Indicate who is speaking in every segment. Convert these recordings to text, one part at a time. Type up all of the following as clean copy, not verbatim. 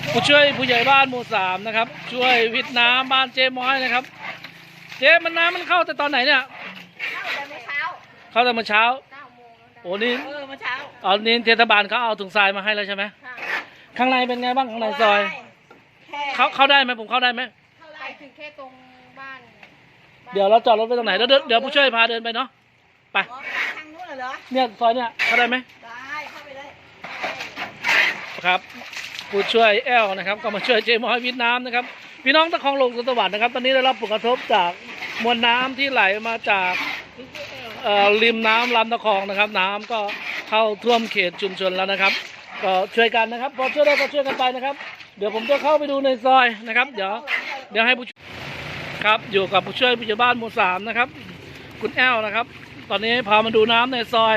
Speaker 1: ผู้ช่วยผู้ใหญ่บ้านหมู่3นะครับช่วยวิทย์น้ำบ้านเจ๊ม้อยนะครับเจ๊มันน้ำมันเข้าแต่ตอนไหนเนี่ยเข้าแต่เมื่อเช้าโอ้นี่
Speaker 2: เมื่อเช้า
Speaker 1: นี่เทศบาลเขาเอาถุงทรายมาให้แล้วใช่ไหมข้างในเป็นไงบ้างข้างในซอยเข้าได้ไหมผมเข้าได้ไหม
Speaker 2: ไปถึงแค่ตรงบ้าน
Speaker 1: เดี๋ยวเราจอดรถไปตรงไหนแล้วเดี๋ยวผู้ช่วยพาเดินไปเนาะไป
Speaker 2: ทางนู้นเหรอ
Speaker 1: เนี่ยซอยเนี่ยเข้าได้ไหม
Speaker 2: ได้เข้าไปได้
Speaker 1: ครับผู้ช่วยแอลนะครับก็มาช่วยเจ๊ม้อยวิทย์น้ำนะครับพี่น้องตะคองลงสวัสดิ์นะครับตอนนี้ได้รับผลกระทบจากมวลน้ำที่ไหลมาจากริมน้ำลำตะคองนะครับน้ำก็เข้าท่วมเขตชุมชนแล้วนะครับก็ช่วยกันนะครับพอช่วยได้ก็ช่วยกันไปนะครับเดี๋ยวผมจะเข้าไปดูในซอยนะครับเดี๋ยวให้ผู้ครับอยู่กับผู้ช่วยผู้ใหญ่บ้านหมู่3นะครับคุณแอลนะครับตอนนี้พามาดูน้ำในซอย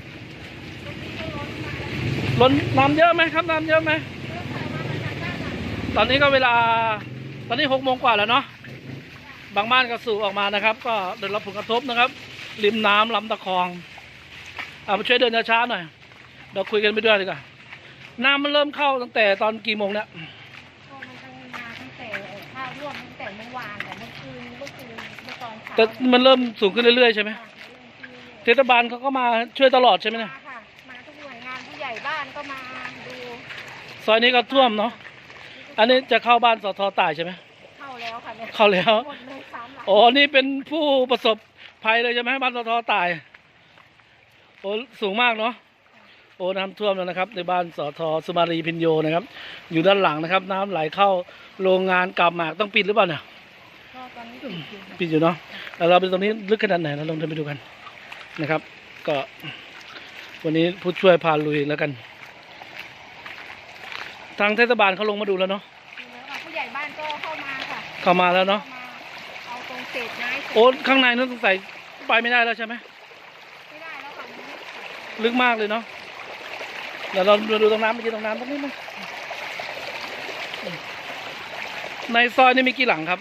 Speaker 1: ล้นน้ำเยอะไหมครับน้ำเยอะไหมตอนนี้ก็เวลาตอนนี้6 โมงกว่าแล้วเนาะบางบ้านก็สูบออกมานะครับก็ได้รับผลกระทบนะครับริมน้ำลำตะคองมาช่วยเดินช้าๆหน่อยเราคุยกันไปด้วยดีกว่าน้ำมันเริ่มเข้าตั้งแต่ตอนกี่โมงเนี่ย
Speaker 2: มันตั้งมาตั้งแต่ข้าวร่วมตั้งแต่เมื่อวานแต่เมื่อคืนเมื่อตอนเช้า
Speaker 1: แต่มันเริ่มสูงขึ้นเรื่อยๆใช่ไหมเทศบาลเขาก็มาช่วยตลอดใช่ไหมเนี่ย
Speaker 2: มาทุกหน่วยงานผู้ใหญ่บ้านก็มาดู
Speaker 1: ซอยนี้ก็ท่วมเนาะอันนี้จะเข้าบ้านสท.ต่ายใช่ไหม
Speaker 2: เข้าแล้วค่ะเนี่ย
Speaker 1: เข้าแล้ว
Speaker 2: หมดเลย3 หลัง
Speaker 1: อ๋อนี่เป็นผู้ประสบภัยเลยใช่ไหมบ้านสท.ต่ายโอ้สูงมากเนาะโอ้น้ำท่วมแล้วนะครับในบ้านสท.สุมารีพิญโยนะครับอยู่ด้านหลังนะครับน้ำไหลเข้าโรงงานกาบหมากต้องปิดหรือเปล่าเนี่ย
Speaker 2: ก็ตอนนี้
Speaker 1: ปิดอยู่เนาะแล้วเราไปตรงนี้ลึกขนาดไหนเราลองเดินไปดูกันนะครับก็วันนี้ผู้ช่วยพาลุยแล้วกันทางเทศบาลเขาลงมาดูแล้วเนาะ
Speaker 2: ผู้ใหญ่บ้านก็เข้ามาค่ะ
Speaker 1: เข้ามาแล้วเนาะ
Speaker 2: เอาตรงเศษไม้
Speaker 1: โอ้ข้างในนั้นสงสัยไปไม่ได้แล้วใช่ไหม
Speaker 2: ไม่ได้แล้วค่ะ
Speaker 1: ลึกมากเลยเนาะเดี๋ยวเราดูตรงน้ำไปดูตรงน้ำตรงนี้มั้ยในซอยนี่มีกี่หลังครับ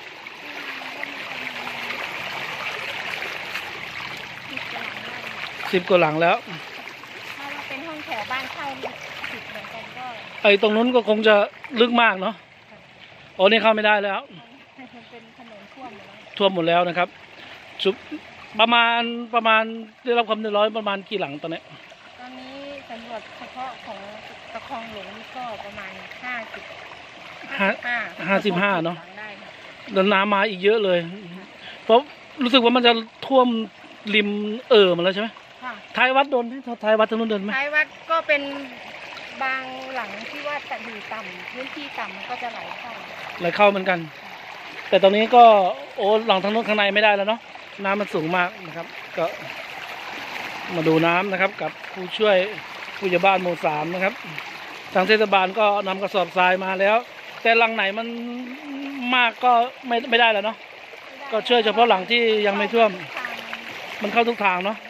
Speaker 1: 10 กว่าหลังแล้ว
Speaker 2: ถ้าเป็นห้องแถวบ้านเช่า10 เหมือนกันก็
Speaker 1: ไอ้ตรงนู้นก็คงจะลึกมากเนาะโอ้นี่เข้าไม่ได้แล้ว
Speaker 2: เป็นถนน
Speaker 1: ท่วมหมดแล้วนะครับประมาณได้รับความเดือดร้อนประมาณกี่หลังตอนนี้
Speaker 2: สำรวจเฉพาะของตะคองหลวงนี่ก็ประมาณ55
Speaker 1: เนาะแล้วน้ำมาอีกเยอะเลยเพราะรู้สึกว่ามันจะท่วมริมมาแล้วใช่ไหมท้ายวัดโดนไหมท้ายวัดทางนู้นโดนไหม
Speaker 2: ท้ายวัดก็เป็นบางหลังที่ว่าจะอยู่ต่ำพื้นที่ต่ำมันก็จะไหลเข้า
Speaker 1: เหมือนกันแต่ตอนนี้ก็โอ้หลังทางนู้นข้างในไม่ได้แล้วเนาะน้ำมันสูงมากนะครับก็มาดูน้ำนะครับกับผู้ช่วยผู้ใหญ่บ้านหมู่3นะครับทางเทศบาลก็นำกระสอบทรายมาแล้วแต่หลังไหนมันมากก็ไม่ได้แล้วเนาะก็ช่วยเฉพาะหลังที่ยังไม่ท่วมมันเข้าทุกทางเนาะ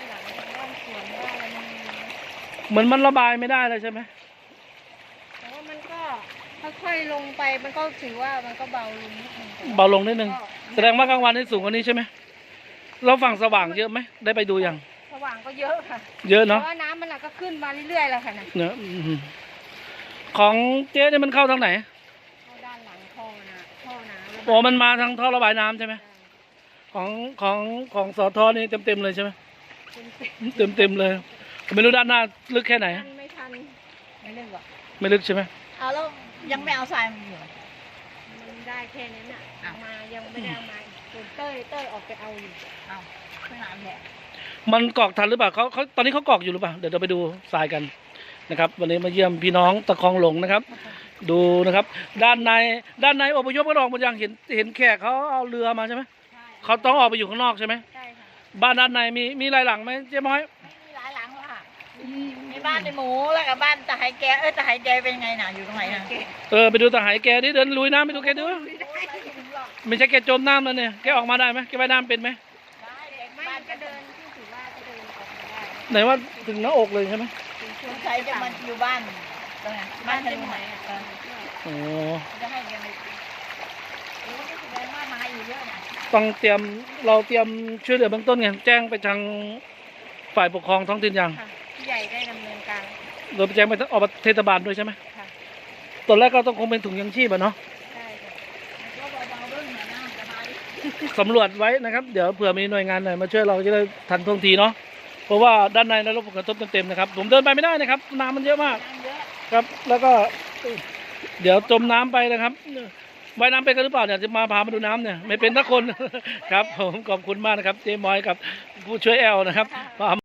Speaker 1: เหมือนมันระบายไม่ได้เลยใช่ไหม
Speaker 2: แต่ว่ามันก็ค่อยๆลงไปมันก็ถือว่ามันก็เบาลงนิดนึง
Speaker 1: แสดงว่ากลางวันนี่สูงกว่านี้ใช่ไหมเราฝั่งสว่างเยอะไหมได้ไปดูยัง
Speaker 2: สว่างก็เยอะค่ะ
Speaker 1: เยอะเนาะ
Speaker 2: เพราะว่าน้ำมันก็ขึ้นมาเรื่อยๆแล้วค่ะนะ
Speaker 1: เนี่ยของเจ๊เนี่ยมันเข้าทางไหน
Speaker 2: เข้าด้านหลังท่อน้ำ
Speaker 1: โอ้มันมาทางท่อระบายน้ำใช่ไหมของสท.นี่เต็มเลยใช่ไหมเต็มเลยไม่รู้ด้านหน้าลึกแค่ไหน
Speaker 2: ไม่ทันไม่ลึกหรอ
Speaker 1: ไม่ลึกใช่ไหม
Speaker 2: เอาแล้วยังไม่เอาทรายมาอยู่มันได้แค่นี้น่ะมายังไม่ได้มาเต้ยออกไปเอาอยู่เอาไม่นานแหละ
Speaker 1: มันกรอกทันหรือเปล่าเขาตอนนี้เขากรอกอยู่หรือเปล่าเดี๋ยวเราไปดูทรายกันนะครับวันนี้มาเยี่ยมพี่น้องตะคองหลงนะครับดูนะครับด้านในอพยพก็ออกหมดยังเห็นแขกเขาเอาเรือมาใช่ไหมเขาต้องออกไปอยู่ข้างนอกใช่ไหม
Speaker 2: ใช่ค่ะ
Speaker 1: บ้านด้านในมีหลายหลังไหมเจ๊ม้อย
Speaker 2: มีหลายหลังค่ะมีบ้านในหมูแล้วกับบ้านตะไหแกตะไหแกเป็นไงน่ะอยู่ตรงไหนน่ะ
Speaker 1: ไปดูตะไหแกดิเดินลุยน้ำไปดูแกดูไม่ใช่แกจมน้ำแล้วเนี่ยแกออกมาได้ไหมแกว่ายน้ำเป็นไหม
Speaker 2: บ้านก็เดินที่ถือว่าจะเดินออกมาได้
Speaker 1: ไหนว่าถึงหน้าอกเลยใช่ไหม
Speaker 2: คุณใช้จะมันอยู่บ้านตรงไหนบ้านที่ไหน
Speaker 1: โอ้
Speaker 2: จะให้ยังไงก็แสดงว่ามาอยู่เยอะนะ
Speaker 1: ต้องเราเตรียมช่วยเหลือเบื้องต้นไงแจ้งไปทางฝ่ายปกครองท้องถิ่นยัง
Speaker 2: ผู้ใหญ่ได้ดำเนินการ
Speaker 1: โดยไปแจ้งไปอบเทศบาลด้วยใช่ไหมตอนแรกก็ต้องคงเป็นถุงยังชีพอะเนาะ
Speaker 2: ใช่ค่ะก็เบาๆเรื่องเหมือนน้ำสบาย
Speaker 1: สำรวจไว้นะครับเดี๋ยวเผื่อมีหน่วยงานไหนมาช่วยเราจะได้ทันท่วงทีเนาะเพราะว่าด้านในได้รับผลกระทบเต็มๆนะครับผมเดินไปไม่ได้นะครับน้ำมันเยอะมาก
Speaker 2: น้ำเยอะ
Speaker 1: ครับแล้วก็เดี๋ยวจมน้ำไปนะครับว่ายน้ำเป็นกันหรือเปล่าเนี่ยจะมาพามาดูน้ำเนี่ยไม่เป็นสักคน ครับผมขอบคุณมากนะครับเจ๊มอยกับผู้ช่วยแอลนะครับ